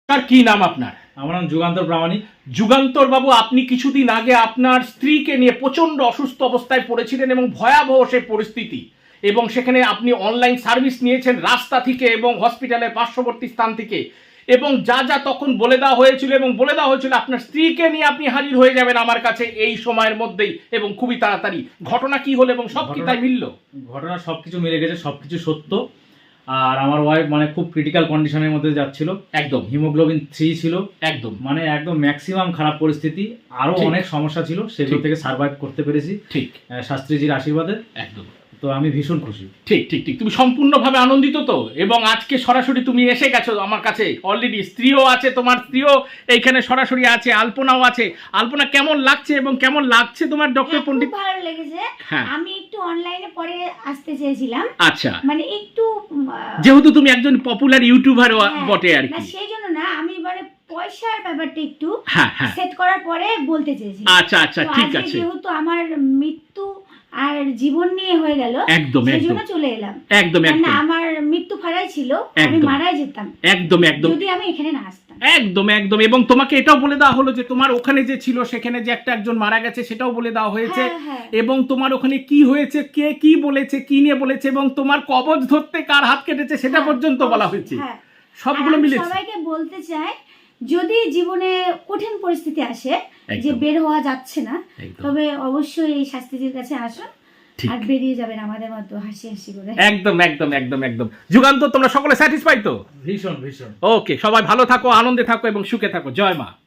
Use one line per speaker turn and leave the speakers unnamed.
তার কি নাম আপনার?
আমার নাম যুগান্তর প্রামাণিক।
যুগান্তর বাবু, আপনি কিছুদিন আগে আপনার স্ত্রীকে নিয়ে প্রচন্ড অসুস্থ অবস্থায় পড়েছিলেন এবং ভয়াবহ সেই পরিস্থিতি, এবং সেখানে আপনি অনলাইন সার্ভিস নিয়েছেন রাস্তা থেকে এবং হসপিটালের পার্শ্ববর্তী স্থান থেকে, এবং যা যা তখন বলে দেওয়া হয়েছিল এবং বলে দেওয়া হয়েছিল আপনার স্ত্রীকে নিয়ে আপনি হাজির হয়ে যাবেন আমার কাছে এই সময়ের মধ্যেই এবং খুবই তাড়াতাড়ি। ঘটনা কি হলো এবং সব কি তাই মিলল?
ঘটনা সবকিছু মিলে গেছে, সবকিছু সত্য। আর আমার ওয়াইফ মানে খুব ক্রিটিক্যাল কন্ডিশনের মধ্যে যাচ্ছিল,
একদম
হিমোগ্লোবিন 3 ছিল,
একদম
মানে একদম ম্যাক্সিমাম খারাপ পরিস্থিতি, আরো
ঠিক।
অনেক সমস্যা ছিল, সেগুলো
ঠিক।
থেকে সার্ভাইভ করতে পেরেছি
ঠিক
শাস্ত্রীজির আশীর্বাদে।
একদম
তো আমি ভীষণ খুশি।
ঠিক ঠিক ঠিক তুমি সম্পূর্ণভাবে আনন্দিত তো? এবং আজকে সরাসরি তুমি এসে গেছো আমার কাছে, অলরেডি স্ত্রীও আছে, তোমার স্ত্রীও এইখানে সরাসরি আছে, আলপনাও আছে। আলপনা, কেমন লাগছে এবং কেমন লাগছে তোমার ডক্টর পণ্ডিত?
খুব ভালো লেগেছে।
হ্যাঁ।
আমি একটু অনলাইনে পরে আসতে চেয়েছিলাম,
আচ্ছা,
মানে একটু
যেহেতু তুমি একজন পপুলার ইউটিউবার বটে আর
না
কি।
সেই জন্য না, আমি মানে পয়সার ব্যাপারটা একটু
হ্যাঁ হ্যাঁ,
সেট করার পরে বলতে চেয়েছিলাম।
আচ্ছা আচ্ছা,
তো
ঠিক
আজকে
আছে,
যেহেতু আমার মৃত্যু আর জীবন নিয়ে হয়ে গেল,
একদম
সেই
একদম
জন্য চলে এলাম।
একদম
না
একদম
আমার মৃত্যু ফারাই ছিল, আমি
একদম।
মারাই যেতাম
একদম একদম
যদি আমি এখানে না আসতাম।
একদম একদম। এবং তোমাকে এটাও বলে দেওয়া হলো যে তোমার ওখানে যে ছিল সেখানে যে একজন মারা গেছে সেটাও বলে দেওয়া হয়েছে,
হ্যাঁ, হ্যাঁ।
এবং তোমার ওখানে কি হয়েছে, কে কি বলেছে, কি নিয়ে বলেছে, এবং তোমার কবজ ধরতে কার হাত কেটেছে সেটা
হ্যাঁ,
পর্যন্ত বলা হয়েছে।
হ্যাঁ।
সবগুলো
আর আমি
মিলেছে।
সবাইকে বলতে চাই, যদি জীবনে কঠিন পরিস্থিতি আসে যে
একদম।
বের হওয়া যাচ্ছে না,
একদম।
তবে অবশ্যই এই শাস্ত্রীজির কাছে আসুন,
ঠিক।
আর বেরিয়ে যাবেন আমাদের মতো হাসি হাসি করে।
একদম একদম একদম একদম। যুগান্ত, তোমরা সকলে স্যাটিসফাই তো?
ভীষণ ভীষণ।
ওকে, সবাই ভালো থাকো, আনন্দে থাকো এবং সুখে থাকো। জয় মা।